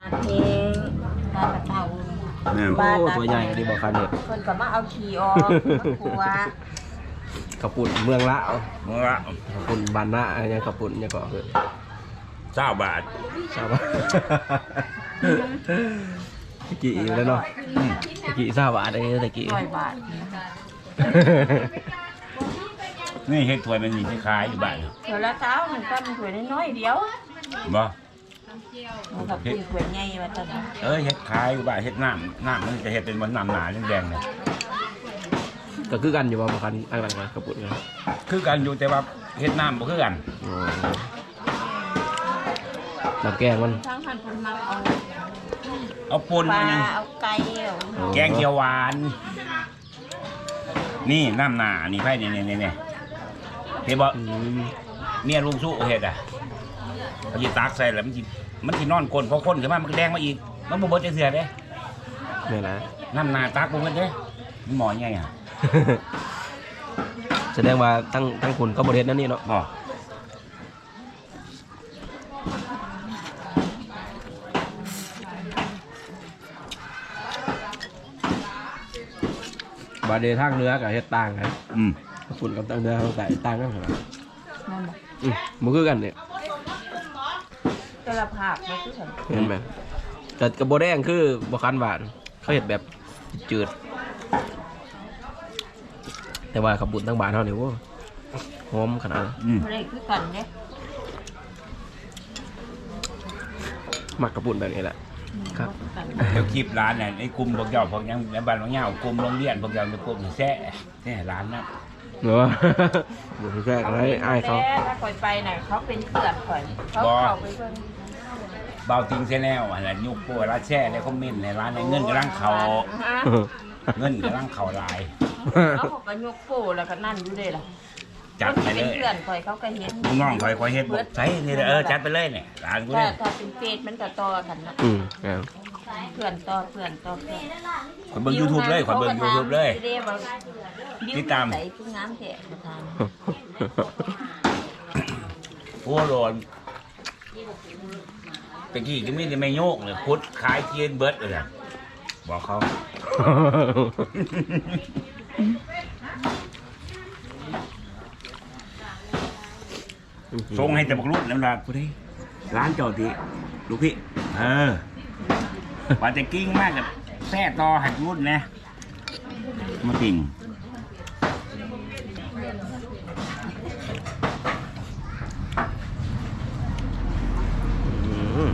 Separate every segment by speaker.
Speaker 1: เองตากระเต่า
Speaker 2: แม่น
Speaker 3: โอ้ตัวใหญ่ดีบอกคันเนี่ย
Speaker 1: คนก็มาเอาขี้ออกมาขัว
Speaker 3: กระปุ่นเมืองละ
Speaker 2: เมื่อก
Speaker 3: ระปุ่นบานนะยังกระปุ่นยังก็คือ
Speaker 2: 20 บาท
Speaker 3: ทราบป่ะตะกี้แล้วเนาะตะกี้ทราบว่าอะไรตะกี้
Speaker 1: 100 บาท
Speaker 2: นี่เฮ็ดถ้วยมันนี่ขายอยู่บ้าน
Speaker 1: เดี๋ยวละเช้ามันก็มันถ้วยน้อยๆเดียว
Speaker 2: บ่
Speaker 1: มันกับกินถ้วยใหญ่ว่าจะ
Speaker 2: เฮ็ดขายอยู่บ้านเฮ็ดน้ำมันจะเฮ็ดเป็นน้ำหนาแดงๆเนี่ย
Speaker 3: ก็คือกันอยู่ว่าบางคันอันหลังกระปุ่นกัน
Speaker 2: คือกันอยู่แต่ว่าเฮ็ดน้ำบ่คือกัน
Speaker 3: น้ำแกงมัน
Speaker 1: ทั้งหันคนมาเอา
Speaker 2: เอาปน
Speaker 1: ปลา
Speaker 2: มายัง
Speaker 1: เอาไก่เอา
Speaker 2: แกงเขียวหวาน นี่น้ำหนานี่ไผนี่เฮ็ดบ่
Speaker 3: อืม
Speaker 2: เมียลุงสู้เฮ็ดอ่ะเขาสิตักใส่แล้วมันสินอนก้นพอคนขึ้นมามันก็แดงมาอีกมันบ่เบิดจังเทื่อเด้
Speaker 3: นี่นะ
Speaker 2: น้ำหนาตักบ่เบิดเด้มันหมอใหญ่อ่ะ
Speaker 3: แสดงว่าทั้งคุณก็บริเวณนั่นนี่เนาะ
Speaker 2: บ่
Speaker 3: บาเดทางเนื้อกับเฮ็ดต่างกัน
Speaker 2: อืม
Speaker 3: ฝุ่นกับต่างเนื้อเขาใส่ต่างกันเหรอ
Speaker 1: นั่นแหละ
Speaker 3: มันคือกันเนี่ย
Speaker 1: แต่ละภาคมันคือกัน
Speaker 3: เห็นไหมแต่กระโบแดงคือบะคันหวานเขาเห็ดแบบจืด แต่ว่าขับบุญทั้งบานเท่านี้ว่าหอมขนาดนั้น
Speaker 2: อืม
Speaker 1: บ่ได้คือกันเด้
Speaker 3: หมักกระปุ่นแบบนี้แหละ ครับ
Speaker 1: กัน
Speaker 2: เดี๋ยวคลิปร้านเนี่ยไอ้กลุ่มพวกเจ้าพวกยังในบ้านพวกเจ้ากลุ่มโรงเรียนพวกเจ้าจะพวกแซ่ร้านนะ
Speaker 3: เนาะบุญแค่อะไรไอ้ายเขา
Speaker 1: แต่ถ้าคอยไปน่ะเขาเป็นเพื่อนข่อยเขาเข้าไปเพิ่น
Speaker 2: เบาติงเส้นแนวอะไรยุคพวกร้านแช่ในคอมเมนต์ในร้านในเงินกำลังเขา
Speaker 1: ฮะ
Speaker 2: เงินกำลังเขาลาย
Speaker 1: เอาเขาก็ยกโป้แล้วก็นั่นอยู่เด้ล่ะ
Speaker 2: จัดไปเล
Speaker 1: เป็น
Speaker 2: ย
Speaker 1: เพื่อนข่อยเขาก็เห็น
Speaker 2: ลูกน้องคอยเฮ็ดบอกใช่นี่จัดไปเลยเนี่ยร้านกู
Speaker 1: ถ้า
Speaker 2: เนี่ย
Speaker 1: ถ้าเป็นเฟซมันก็ต่อกันนะ
Speaker 3: ครับ
Speaker 1: เพื่อนต่อเพื่อนต่อเพื่อน
Speaker 2: คอยเบิ่งยูทูบเลยคอยเบิ่งยูทูบเลย ติดตาม
Speaker 1: ใส่ผู้งามแท้ประธาน
Speaker 2: โอ้โหตะกี้ก็มีแต่ไม่โยกเลยพุทธขายเทียนเบิร์ดเลยอะบอกเขาส่งให้แต่บอกลูกน้ำลายกูได้ร้านเจ้าติลูกพี่ว่าจะกิ้งมากกับแท้ต่อหักรุ่นนะมาติ่ง
Speaker 3: อืม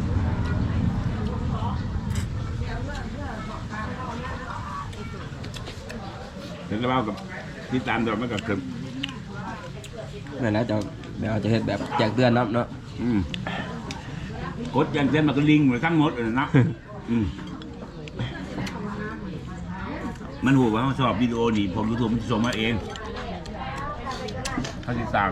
Speaker 2: เดี๋ยวเรากับที่ตามเราไม่กับเกิน
Speaker 3: นั่นแหละจะเดี๋ยวจะเห็ดแบบแจกเตือนเนาะ
Speaker 2: กดยันเส้นมันก็ลิงเหมือนทั้งหมดเลยนะมันหูว่าเขาชอบวิดีโอนี่ผมยูทูบมันส่งมาเองเขาติดตาม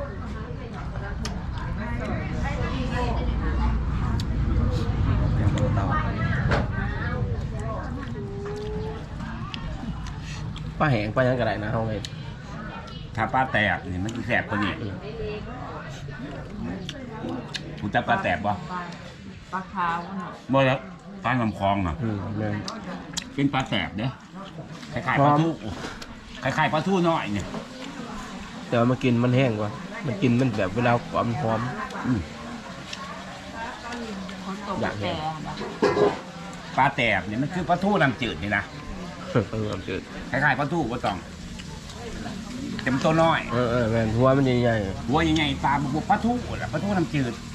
Speaker 3: ปลาแห้งปลายังกระไรนะเฮาเห็ด
Speaker 2: ถ้าปลาแตกนี่มันจะแสบกว่านี้คุณจับปลาแตกบ่
Speaker 1: ปลาขาวน่ะ
Speaker 2: บ่แล้วปลาลำคลองน่ะ
Speaker 3: แม่น
Speaker 2: เป็นปลาแตกเด้คล้ายๆปลาทูคล้ายๆปลาทูน้อยเนี่ย
Speaker 3: แต่ว่ามันกินมันแห้งกว่า มันกินมันแบบเวลาความหอม
Speaker 1: คนตก
Speaker 3: อยากเห็
Speaker 1: แต่
Speaker 3: น
Speaker 1: นะ
Speaker 2: ปลาแตกเนี่ยมันคือปลาทูน้ำจืดนี่นะ
Speaker 3: จืด
Speaker 2: คล้ายๆปลาทูบ่ต้องแต่มันตัวน้อย
Speaker 3: แม่นหัวมันใหญ่
Speaker 2: หัวใหญ่ๆตาบุกปลาทูน่ะปลาทูน้ำจืด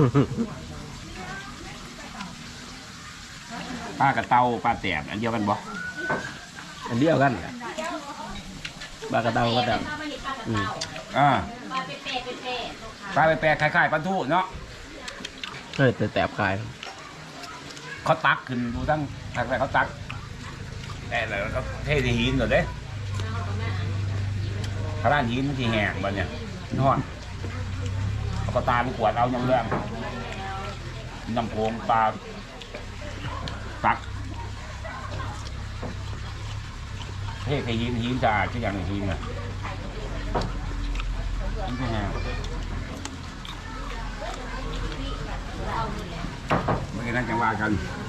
Speaker 3: ๆ
Speaker 2: ปลากระเตาปลาแตกอันเดียวกันบ่
Speaker 3: อันเดียวกันปลากระเตาก็แต่
Speaker 2: อ่าปลาแปลกๆคล้ายๆปลาทูเนาะ
Speaker 3: เฮ้ยแต่แตบคาย
Speaker 2: เขาตักขึ้นดูทั้งทางไหนเขาตักแต่แล้วก็เทที่หินก่อนเด้พระด้านหินมันที่แหกมันเนี่ยนอนเอาก็ตาไปขวดเอาน้ำเรื่องน้ำโขงปลาตักเทที่หินจะที่อย่างหินน่ะหินที่แหกไม่งั้นจังว่ากัน